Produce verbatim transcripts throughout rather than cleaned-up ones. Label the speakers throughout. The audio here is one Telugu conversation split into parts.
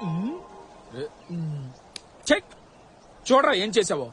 Speaker 1: చెక్ చూడరా ఏం చేసావో.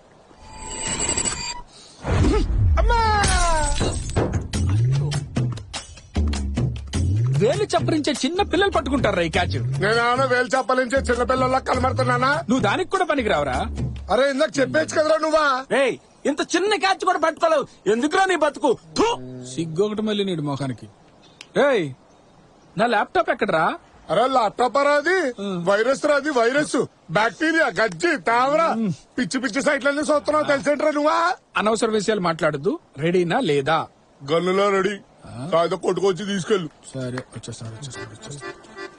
Speaker 1: వేలు చప్పరించే చిన్న పిల్లలు పట్టుకుంటారా ఈ క్యాచ్.
Speaker 2: నేను వేలు చప్పలించే చిన్న పిల్లల్లా కనబడుతున్నానా?
Speaker 1: నువ్వు దానికి కూడా పనికి రావరా?
Speaker 2: అరే ఇందాక చెప్పేచ్చు కదరా నువ్వా.
Speaker 3: రేయ్ ఇంత చిన్న క్యాచ్ కూడా పట్టుకోలేవు, ఎందుకురా నీ బతుకు?
Speaker 1: సిగ్గు ఒకటి మళ్ళీ నీడు మొఖానికి. రేయ్ నా ల్యాప్టాప్ ఎక్కడరా?
Speaker 2: అరే ల్యాప్టాప్ రాది వైరస్ రాది వైరస్ బ్యాక్టీరియా గజ్జి తావరా పిచ్చి పిచ్చి సైట్లన్నీ చూస్తున్నావు తెలిసేంట్రా నువ్వా.
Speaker 1: అనవసర విషయాలు మాట్లాడద్దు. రెడీనా లేదా?
Speaker 2: గన్నులో రెడీ, కాదు కొట్టుకొచ్చి తీసుకెళ్ళు.
Speaker 1: సరే వచ్చేస్తాను వచ్చేస్తాను వచ్చేస్తాను.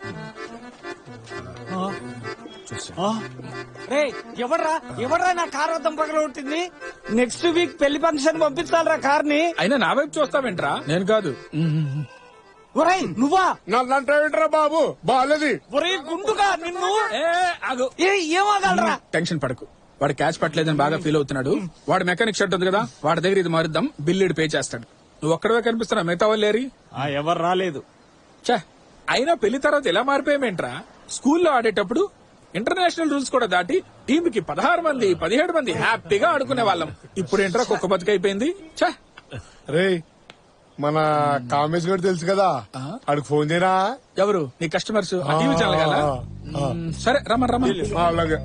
Speaker 3: రే ఎవడ్రా ఎవడ్రా నా కార్ వద్దం పగల ఉంటుంది. నెక్స్ట్ వీక్ పెళ్లి ఫంక్షన్ పంపించాలరా కార్ ని.
Speaker 1: అయినా నా వైపు చూస్తావేంట్రా? నేను కాదు.
Speaker 3: ఒరేయ్ నువ్వా?
Speaker 2: నన్నంటావేంట్రా బాబు బాలేది.
Speaker 3: ఒరేయ్ గుండుగా నిన్ను.
Speaker 1: ఏ ఆగు.
Speaker 3: ఏ ఏమగలరా?
Speaker 1: టెన్షన్ పడకు. వాడు క్యాచ్ పట్టలేదని బాగా ఫీల్ అవుతున్నాడు. వాడు మెకానిక్ షర్ట్ ఉంది కదా, వాడి దగ్గర ఇది మారుద్దాం, బిల్లుడు పే చేస్తాడు. నువ్వు ఒక్కడవే కనిపిస్తున్నా, మిగతా వాళ్ళు లేరి.
Speaker 3: ఎవరు రాలేదు.
Speaker 1: చా అయినా పెళ్లి తర్వాత ఎలా మారిపోయామేంట్రా? స్కూల్లో ఆడేటప్పుడు ఇంటర్నేషనల్ రూల్స్ కూడా దాటి టీమ్ కి పదహారు మంది పదిహేడు మంది హ్యాపీగా ఆడుకునే వాళ్ళం. ఇప్పుడు ఏంట్రా కుక్క బతుకైపోయింది. చా
Speaker 2: రే మన కామేష్ గారు తెలుసు కదా, అడికి ఫోన్ చేయరా.
Speaker 1: ఎవరు నీ కస్టమర్స్? టీవీ ఛానల్ కదా. సరే రమ్మని రమ్మని.
Speaker 2: అలాగే.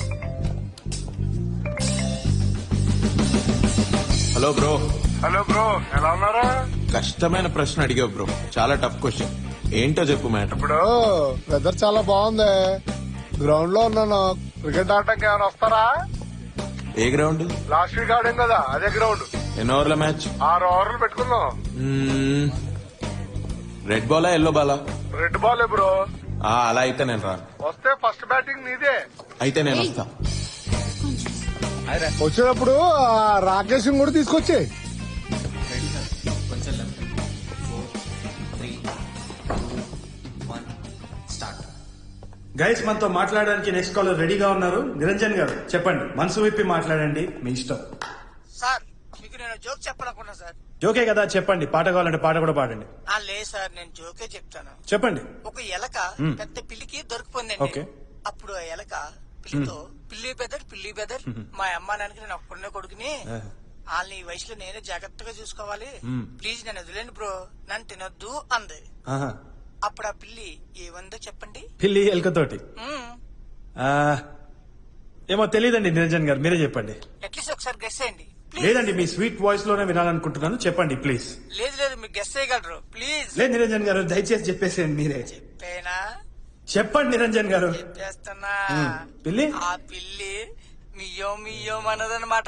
Speaker 4: Hello bro.
Speaker 2: హలో బ్రో, ఎలా ఉన్నారా?
Speaker 4: కష్టమైన ప్రశ్న అడిగావు బ్రో, చాలా టఫ్ క్వశ్చన్. ఏంటో చెప్పు మ్యాటర్.
Speaker 2: ఇప్పుడు వెదర్ చాలా బాగుంది, గ్రౌండ్ లో ఉన్నాను. క్రికెట్ ఆడటానికి ఏమైనా వస్తారా?
Speaker 4: ఏ గ్రౌండ్?
Speaker 2: లాస్ట్ వీక్ ఆడాం కదా అదే గ్రౌండ్.
Speaker 4: ఎన్ని ఓవర్ల మ్యాచ్?
Speaker 2: ఆరు ఓవర్లు పెట్టుకుందాం.
Speaker 4: రెడ్ బాలా ఎల్లో బాలా?
Speaker 2: Red ball bro.
Speaker 4: ఆ, అలా అయితే నేను రాను.
Speaker 2: వస్తే ఫస్ట్ బ్యాటింగ్ నీదే.
Speaker 4: అయితే నేను వస్తా.
Speaker 2: వచ్చేటప్పుడు రాకేష్ కూడా తీసుకొచ్చే.
Speaker 5: గైస్ మనతో మాట్లాడడానికి నెక్స్ట్ కాలర్ రెడీగా ఉన్నారు. నిరంజన్ గారు చెప్పండి, మనసు విప్పి మాట్లాడండి, మీ ఇష్టం.
Speaker 6: సార్ మీకు నేను జోక్ చెప్పాలనుకున్నా సార్.
Speaker 5: జోకే కదా, చెప్పండి. పాట కావాలంటే పాట కూడా పాడండి.
Speaker 6: ఆ లేదు సార్, నేను జోకే చెప్తాను.
Speaker 5: చెప్పండి.
Speaker 6: ఒక ఎలక పెద్ద పిల్లికి
Speaker 5: ఓకే.
Speaker 6: దొరికిపోయిందండి. అప్పుడు ఆ ఎలక పిల్లితో, పిల్లి బెదర్ పిల్లి బెదర్ మా అమ్మ నాన్నకి నేను ఒక్కడనే కొడుకుని, వాళ్ళని ఈ వయసులో నేనే జాగ్రత్తగా చూసుకోవాలి, ప్లీజ్ నన్ను వదిలేండి బ్రో, నన్ను తినొద్దు అంది.
Speaker 5: ఆహా.
Speaker 6: అప్పుడు ఆ పిల్లి ఏమందో చెప్పండి.
Speaker 5: పిల్లి ఎలుకతోటి
Speaker 6: మ్మ్.
Speaker 5: ఆ, ఏమో తెలియదండి. నిరంజన్ గారు మీరే చెప్పండి.
Speaker 6: అట్లీస్ట్ ఒకసారి గెస్ చేయండి ప్లీజ్.
Speaker 5: లేదండి, మీ స్వీట్ వాయిస్ లోనే వినాలనుకుంటున్నాను, చెప్పండి ప్లీజ్.
Speaker 6: లేదు లేదు మీరు గెస్ చేయగలరు ప్లీజ్.
Speaker 5: లేదు నిరంజన్ గారు, దయచేసి చెప్పేసేయండి మీరే.
Speaker 6: చెప్పేనా?
Speaker 5: చెప్పండి నిరంజన్ గారు.
Speaker 6: చెప్పేస్తున్నా.
Speaker 5: పిల్లి
Speaker 6: ఆ పిల్లి మియ్యో మియ్యో అన్నదన్నమాట.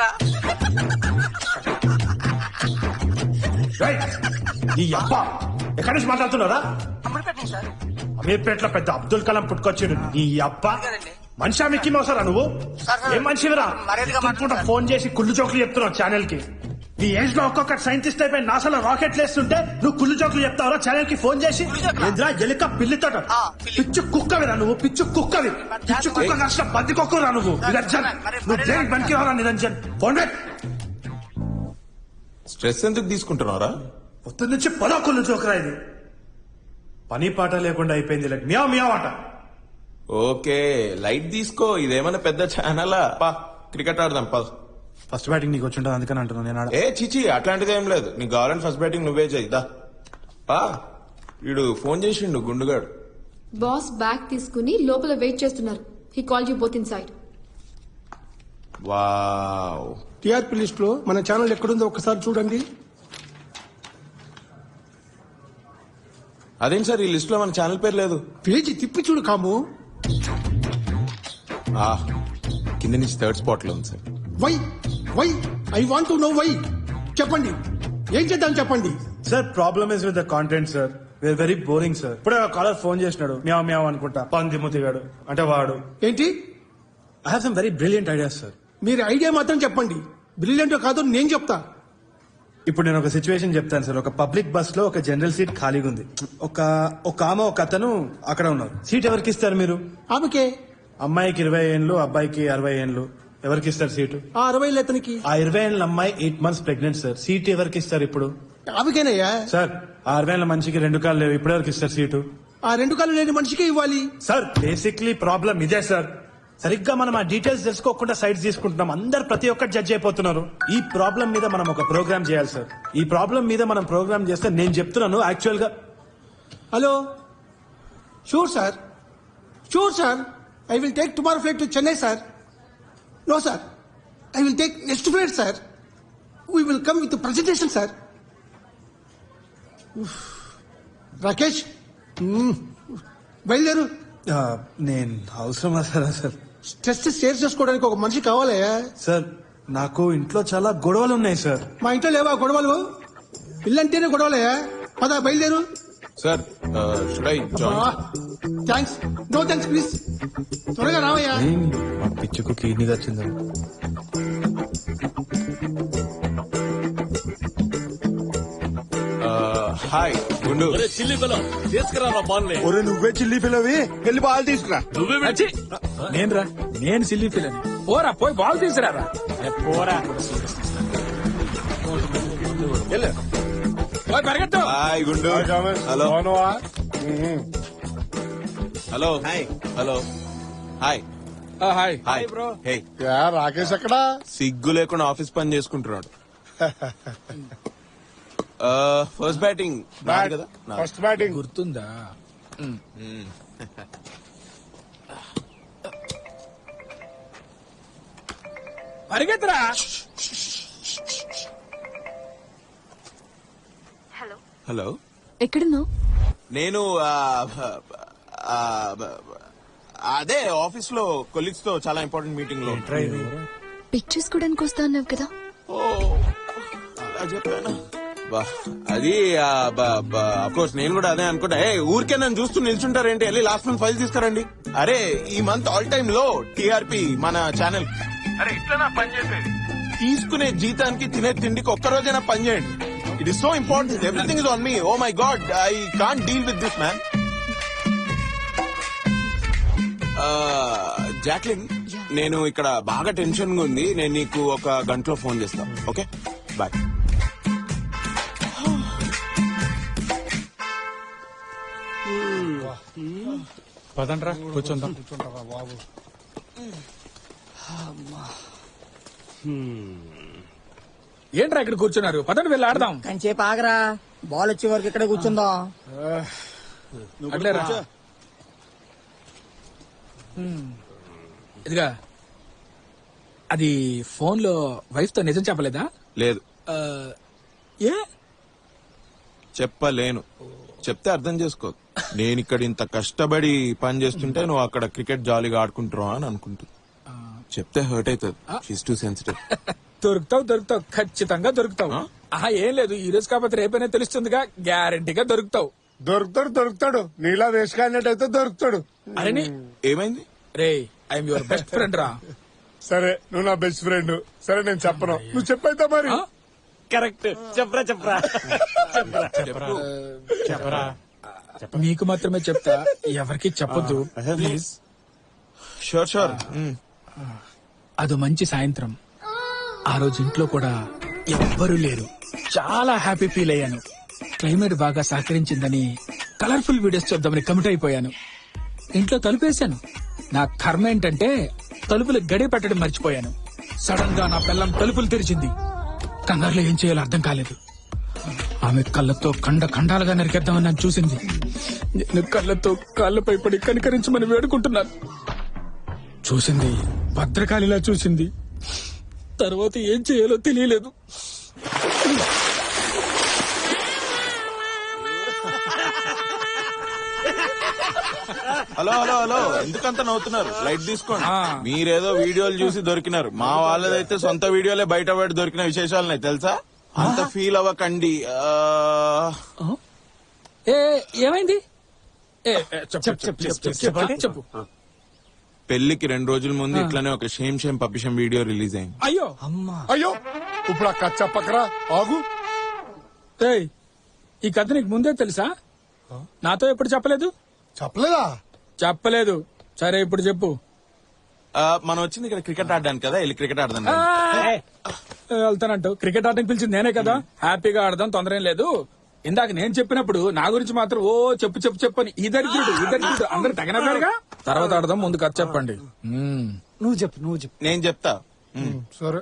Speaker 5: ఈ అబ్బా ఎక్కడి నుంచి మాట్లాడుతున్నారా?
Speaker 6: అమ్మడిపెట్టండి సార్.
Speaker 5: అమీర్పేటలో పెద్ద అబ్దుల్ కలాం పుట్టుకొచ్చాడు. ఈ అబ్బా
Speaker 6: కదండి.
Speaker 5: మనిషా మిక్కి మోసారా నువ్వు?
Speaker 6: సార్, సార్,
Speaker 5: ఏం మనిషివిరా?
Speaker 6: మర్యాదగా మాట్లాడండి సార్.
Speaker 5: ఫోన్ చేసి కుళ్ళు జోకులు చెప్తున్నావు ఛానల్ కి. ఈ ఏజ్ లో ఒక్కొక్క సైంటిస్ట్ అయిపోయి నాసాలో రాకెట్లు వేస్తుంటే నువ్వు కుళ్ళు జోకులు చెప్తావరా ఛానల్ కి ఫోన్ చేసి?
Speaker 6: కుళ్ళు జోకులా?
Speaker 5: ఎదురా ఎలుక పిల్లితో
Speaker 6: ఆ, పిల్లి.
Speaker 5: పిచ్చు కుక్కవిరా నువ్వు, పిచ్చు కుక్కవి. పిచ్చు కుక్క కష్ట బంది కుక్కరా నువ్వు. నిరంజన్
Speaker 6: మరి-
Speaker 5: నువ్వు
Speaker 6: మరి-
Speaker 5: దేనికి పనికి రావరా నిరంజన్? ఫోన్ రేట్
Speaker 4: స్ట్రెస్ ఎందుకు తీసుకుంటున్నారా?
Speaker 5: పొద్దు నుంచి పదో కుళ్ళు జోకురా ఇది. పని పాట లేకుండా అయిపోయింది. లైక్ మియా మియా ఆట.
Speaker 4: ఓకే లైట్ తీసుకో, ఇదేమన్నా పెద్ద ఛానలా? పా క్రికెట్ ఆడదాం పద.
Speaker 5: ఫస్ట్ బ్యాటింగ్ నీకు వచ్చి ఉంటుంది అందుకని అంటున్నాను నేను. ఆడ
Speaker 4: ఏ చిచి అట్లాంటిది ఏం లేదు. నీకు కావాలంటే ఫస్ట్ బ్యాటింగ్ నువ్వే చేయిదా. పా వీడు ఫోన్ చేసిండు గుండుగాడు.
Speaker 7: బాస్ బ్యాగ్ తీసుకుని లోపల వెయిట్ చేస్తున్నారు. He call you both inside.
Speaker 4: Wow.
Speaker 2: TRP list లో మన ఛానల్ ఎక్కడుందో ఒకసారి చూడండి.
Speaker 4: అదేం సార్ ఈ లిస్ట్ లో మన ఛానల్ పేరు లేదు?
Speaker 2: పేజీ తిప్పి చూడు కాము.
Speaker 4: ఆ కింద నుంచి థర్డ్ స్పాట్ లో ఉంది sir.
Speaker 2: Why why I want to know why. చెప్పండి ఏం చేద్దాం చెప్పండి.
Speaker 5: Sir problem is with the content sir. We are very boring sir. ఇప్పుడే కాలర్ ఫోన్ చేసినాడు, మ్యావ్ మ్యావ్ అనుకుంటా, పంది ముతిగాడు అంటే వాడు.
Speaker 2: ఏంటి?
Speaker 5: I have some very brilliant ideas sir.
Speaker 2: మీరు ఐడియా మాత్రం చెప్పండి, బ్రిలియంట్ కాదో నేను చెప్తా.
Speaker 5: ఇప్పుడు నేను ఒక సిచ్యువేషన్ చెప్తాను సార్. ఒక పబ్లిక్ బస్ లో ఒక జనరల్ సీట్ ఖాళీగా ఉంది. ఒక ఒక ఆమె ఒక అతను అక్కడ ఉన్నారు. సీట్ ఎవరికి ఇస్తారు మీరు?
Speaker 2: ఆమెకే.
Speaker 5: అమ్మాయికి ఇరవై ఏళ్ళు, అబ్బాయికి అరవై ఏళ్ళు. ఎవరికి ఇస్తారు సీటు?
Speaker 2: ఆ అరవై అతనికి.
Speaker 5: ఆ ఇరవై ఏళ్ళ అమ్మాయి eight months pregnant sir. Seat ఎవరికి ఇస్తారు ఇప్పుడు?
Speaker 2: ఆమెకేనయ్యా.
Speaker 5: సార్ ఆ అరవై ఏళ్ళ మనిషికి రెండు కాళ్ళు లేవు, ఇప్పుడు ఎవరికి ఇస్తారు సీటు?
Speaker 8: ఆ రెండు కాళ్ళు లేని మనిషికే ఇవ్వాలి.
Speaker 5: సార్ బేసిక్లీ ప్రాబ్లం ఇదే సార్. సరిగ్గా మనం ఆ డీటెయిల్స్ తెలుసుకోకుండా సైడ్స్ తీసుకుంటున్నాం. అందరు ప్రతి ఒక్కటి జడ్జ్ అయిపోతున్నారు. ఈ ప్రాబ్లం మీద మనం ఒక ప్రోగ్రామ్ చేయాలి సార్. ఈ ప్రాబ్లం మీద మనం ప్రోగ్రామ్ చేస్తే నేను చెప్తున్నాను యాక్చువల్ గా.
Speaker 8: Hello, sure sir, sure sir. I will take tomorrow flight to Chennai sir. No sir, I will take next flight sir. We will come with presentation sir. Rakesh, మ్మ్. బయలుదేరు.
Speaker 5: ఆ, నేను అవసరమా సార్ సార్?
Speaker 8: స్ట్రెస్ షేర్ చేసుకోవడానికి ఒక మనిషి కావాలయ్యా.
Speaker 5: సార్ నాకు ఇంట్లో చాలా గొడవలు ఉన్నాయి సార్.
Speaker 8: మా ఇంట్లో లేవా గొడవలు? ఇల్లంటేనే గొడవలయ్యా. పద బయలుదేరు.
Speaker 4: Sir should I join?
Speaker 8: Thanks, no thanks please. త్వరగా రావయ్యా.
Speaker 5: మా పిచ్చుకు కిడ్నీ వచ్చింది.
Speaker 4: హాయ్ గుండు.
Speaker 2: ఒరే నువ్వే చిల్లి పిల్లవి, వెళ్ళి బాల్ తీసుకురా.
Speaker 1: అచ్చి, నేనురా నేను సిల్లీ ఫీల్ అని. పోరా పోయి బాల్ తీసుకురారా. పోరా పోయి పరిగెత్తు.
Speaker 4: హాయ్ గుండు. హలో
Speaker 2: అవునవా?
Speaker 4: హలో హలో హాయ్
Speaker 1: ఆ, hi
Speaker 4: hi bro. Hey,
Speaker 2: yeah, Rakesh ఎక్కడా?
Speaker 4: సిగ్గు లేకుండా ఆఫీస్ పని చేసుకుంటున్నాడు. ఫస్ట్ బ్యాటింగ్ కదా నా-
Speaker 2: ఫస్ట్ బ్యాటింగ్.
Speaker 1: గుర్తుందా? పరిగెత్తరా.
Speaker 4: హలో,
Speaker 7: ఎక్కడున్నావు?
Speaker 4: నేను ఆ, ఆ, అదే ఆఫీస్ లో కొలీగ్స్ తో చాలా ఇంపార్టెంట్ మీటింగ్ లో.
Speaker 7: పిక్ చేసుకోవడానికి వస్తా అన్నావు కదా.
Speaker 4: ఓ, అలా చెప్పానా? బా, అది కోర్స్ నేను కూడా అదే అనుకుంటా. ఏ ఊరికే నన్ను చూస్తూ నిల్చుంటారేంటి? వెళ్ళి లాస్ట్ మంత్ ఫైల్ తీసుకురండి. అరే ఈ మంత్ ఆల్ టైమ్ లో టీఆర్పీ మన ఛానల్. అరే ఇట్లా నా పని చేసేది. తీసుకునే జీతానికి తినే తిండికి ఒక్క రోజైనా పని చేయండి. It is so important. Everything is on me. Oh my God, I can't deal with this man. Jacqueline, నేను ఇక్కడ బాగా టెన్షన్ గా ఉంది. నేను నీకు ఒక గంటలో ఫోన్ చేస్తాను. Okay, bye.
Speaker 1: పదండ్రా కూర్చుందాం. ఏంట్రా ఇక్కడ కూర్చున్నారు? పదండి వెళ్ళి ఆడదాం.
Speaker 6: కంచేపు ఆగరా, బాల్ వచ్చే వరకు ఇక్కడ కూర్చుందాం.
Speaker 1: అట్లేరా. ఇదిగా, అది ఫోన్ లో వైఫ్ తో నిజం చెప్పలేదా?
Speaker 4: లేదు,
Speaker 1: ఆ, ఏ
Speaker 4: చెప్పలేను. చెప్తే అర్థం చేసుకో. నేను ఇక్కడ ఇంత కష్టపడి పని చేస్తుంటే నువ్వు అక్కడ క్రికెట్ జాలీగా ఆడుకుంటున్నావు అని అనుకుంటుంది. చెప్తే హర్ట్ అవుతుంది. She's too sensitive.
Speaker 1: దొరుకుతావు దొరుకుతావు ఖచ్చితంగా దొరుకుతావు. ఆహా, ఏం లేదు, ఈ రోజు కాకపోతే రేపైనా తెలుస్తుందిగా. గ్యారంటీగా దొరుకుతావు.
Speaker 2: దొరుకుతాడు దొరుకుతాడు నీలా వేసుకాడినట్టయితే దొరుకుతాడు.
Speaker 1: అరే నీ-
Speaker 4: ఏమైంది?
Speaker 1: రే, ఐఎమ్ యువర్ బెస్ట్ ఫ్రెండ్ రా.
Speaker 2: సరే, నువ్వు నా బెస్ట్ ఫ్రెండ్. సరే నేను చెప్పను, నువ్వు చెప్పైతే మరి.
Speaker 1: ఆ?
Speaker 3: కరెక్ట్. చెప్పరా చెప్పరా
Speaker 1: చెప్పరా. మీకు మాత్రమే చెప్తా, ఎవరికి చెప్పొద్దు ప్లీజ్.
Speaker 4: Sure sure.
Speaker 1: అదో మంచి సాయంత్రం. ఆ రోజు ఇంట్లో కూడా ఎవ్వరూ లేరు. చాలా హ్యాపీ ఫీల్ అయ్యాను. క్లైమేట్ బాగా సహకరించిందని కలర్ఫుల్ వీడియోస్ చూద్దామని కమిట్ అయిపోయాను. ఇంట్లో తలుపేశాను. నా కర్మ ఏంటంటే తలుపులు గడి పెట్టడం మర్చిపోయాను. సడన్ గా నా పిల్లం తలుపులు తెరిచింది. కంగారులో ఏం చేయాలో అర్థం కాలేదు. ఆమె కళ్ళతో ఖండ ఖండాలుగా నరికేద్దామని నన్ను చూసింది. నేను కళ్ళతో కాళ్ళపై పడి కనికరించమని వేడుకుంటున్నాను. చూసింది, భద్రకాళిలా చూసింది. తర్వాత ఏం చేయాలో తెలియలేదు.
Speaker 4: హలో హలో హలో, ఎందుకంత నవ్వుతున్నారు? లైట్ తీసుకోండి.
Speaker 1: ఆ.
Speaker 4: మీరేదో వీడియోలు చూసి దొరికినారు. మా వాళ్ళదైతే సొంత వీడియోలే బయట బయట దొరికిన విశేషాలున్నాయి తెలుసా. అంత ఫీల్ అవ్వకండి. ఆ,
Speaker 1: ఏ ఏమైంది? ఏ, ఏ, చెప్పు, చెప్పు, చెప్పు, చెప్పు, చెప్పు.
Speaker 4: పెళ్లికి రెండు రోజుల ముందు ఇట్లానే ఒక షేమ్ షేమ్ పప్పిషం వీడియో రిలీజ్ అయింది.
Speaker 1: అయ్యో,
Speaker 2: అయ్యో, ఇప్పుడు అక్క చెప్పకరా, ఆగు.
Speaker 1: ఏయ్, ఈ కథ నీకు ముందే తెలుసా? నాతో ఎప్పుడు చెప్పలేదు?
Speaker 2: చెప్పలేదా?
Speaker 1: చెప్పలేదు. సరే ఇప్పుడు చెప్పు.
Speaker 4: ఆ, మనం వచ్చింది ఇక్కడ క్రికెట్ ఆడడానికి కదా, వెళ్ళి క్రికెట్ ఆడదాం.
Speaker 1: ఆ, ఏ, వెళ్తానంటావు. క్రికెట్ ఆడడానికి పిలిచింది నేనే కదా. హ్యాపీగా ఆడదాం, తొందర ఏం లేదు. ఇందాక నేను చెప్పినప్పుడు నా గురించి మాత్రం ఓ చెప్పు చెప్పు చెప్పు అని ఈ దరిద్రుడు ఈ దరిద్రుడు అందరు తగినగా తర్వాత ఆడదాం ముందు కథ చెప్పండి మ్మ్.
Speaker 3: నువ్వు చెప్పు నువ్వు చెప్పు
Speaker 4: నేను చెప్తా
Speaker 2: సరే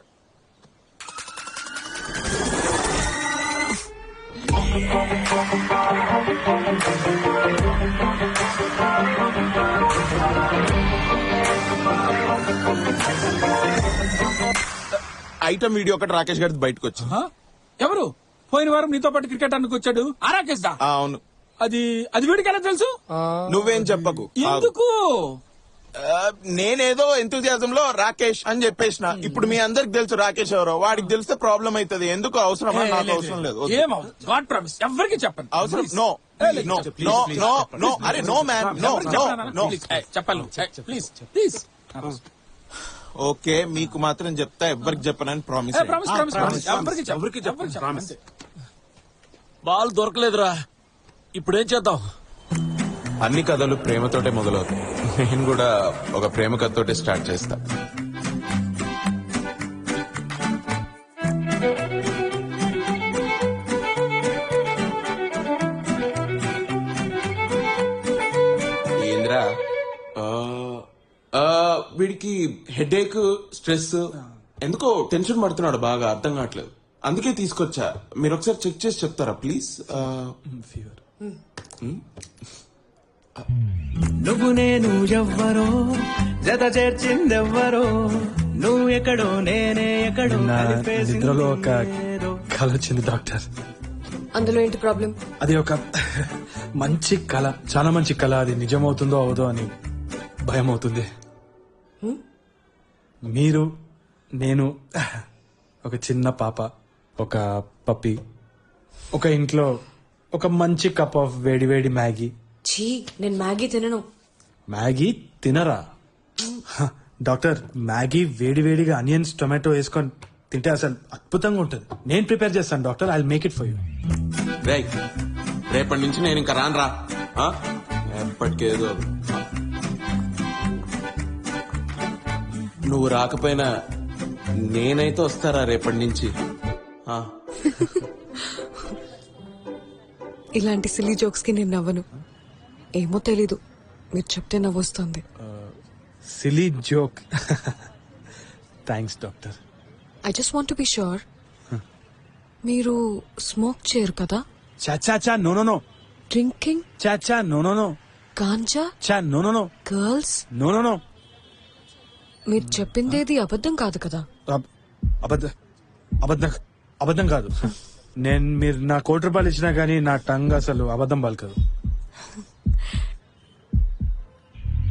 Speaker 4: ఐటమ్ వీడియో ఒకటి రాకేష్ గారి బయటకు వచ్చింది.
Speaker 1: ఆ? ఎవరు పోయిన వారం నీతో పాటు క్రికెట్ ఆడడానికి వచ్చాడు ఆరాకేష్ దా
Speaker 4: ఆ, అవును.
Speaker 1: అది అది వీడికి ఎలా తెలుసు
Speaker 4: నువ్వేం చెప్పకు.
Speaker 1: ఎందుకు
Speaker 4: ఆ, నేనేదో ఎంతూజియాజం లో రాకేష్ అని చెప్పేసిన. ఇప్పుడు మీ అందరికి తెలుసు రాకేష్ ఎవరో. వాడికి తెలిస్తే ప్రాబ్లం అవుతుంది. ఎందుకు అవసరమా? నాకు అవసరం లేదు. వద్దు.
Speaker 1: ఏమవుతుంది గాడ్ ప్రామిస్ ఎవరికి చెప్పండి
Speaker 4: అవసరం no no no no no అరే no man no no no
Speaker 1: చెప్పాలి ప్లీజ్ ప్లీజ్
Speaker 4: ఓకే మీకు మాత్రం చెప్తా, ఎవ్వరికి చెప్పనని ప్రామిస్.
Speaker 1: ప్రామిస్ ప్రామిస్ ప్రామిస్ ఎవరికి ఎవరికి చెప్పండి
Speaker 9: బాల్ దొరకలేదురా ఇప్పుడేం చేద్దాం?
Speaker 4: అన్ని కథలు ప్రేమతోటే మొదలవుతాయి. నేను కూడా ఒక ప్రేమ కథతోటే స్టార్ట్ చేస్తా. ఏంద్రా ఆ, ఆ, వీడికి హెడేక్ స్ట్రెస్ ఎందుకో టెన్షన్ పడుతున్నాడు బాగా, అర్థం కావట్లేదు. అందుకే తీసుకొచ్చా. మీరు ఒకసారి చెక్ చేసి చెప్తారా ప్లీజ్?
Speaker 10: నువ్వు నేను ఎవ్వరో జత చేర్చిందెవ్వరో నువ్వు ఎక్కడో నేనే ఎక్కడో
Speaker 5: నా
Speaker 10: కలిపేసింది
Speaker 5: నిద్రలో ఒక
Speaker 10: ఏదో.
Speaker 5: కళ వచ్చింది డాక్టర్.
Speaker 7: అందులో ఏంటి ప్రాబ్లం?
Speaker 5: అది ఒక మంచి కళ, చాలా మంచి కళ. అది నిజమవుతుందో అవదో అని భయం అవుతుంది. మీరు, నేను, ఒక చిన్న పాప, ఒక పప్పి, ఒక ఇంట్లో ఒక మంచి కప్ ఆఫ్ వేడి వేడి మ్యాగీ.
Speaker 7: ఛీ నేను మ్యాగీ తినను.
Speaker 5: మ్యాగీ తినరా? హ, డాక్టర్ మ్యాగీ వేడి వేడిగా ఆనియన్స్ టొమాటో వేసుకొని తింటే అసలు అద్భుతంగా ఉంటుంది. నేను ప్రిపేర్ చేస్తాను doctor. I make it for you.
Speaker 4: రేయ్, రేపటి నుంచి నేను ఇంకా రాను రా. ఆ? ఎప్పటికేదో నువ్వు రాకపోయినా నేనైతే వస్తారా రేపటి నుంచి. ఆ.
Speaker 11: ఇలాంటి సిల్లీ జోక్స్ కి నేను నవ్వను. ఏమో తెలీదు, మీరు చెప్తే నవ్వొస్తుంది.
Speaker 5: Silly joke. Thanks doctor.
Speaker 11: I just want to be sure, మీరు స్మోక్ చేయరు కదా?
Speaker 5: చా చా నో నో నో.
Speaker 11: డ్రింకింగ్,
Speaker 5: చా చా నో నో నో.
Speaker 11: గాంజా,
Speaker 5: చా no no no.
Speaker 11: Girls,
Speaker 5: no no no.
Speaker 11: మీరు చెప్పిందేది అబద్ధం కాదు కదా?
Speaker 5: అబ్- అబద్ధ అబద్ధం అబద్ధం కాదు. నేను మీరు నా కోటి రూపాయలు ఇచ్చినా గానీ నా టంగ్ అసలు అబద్ధం పలకదు.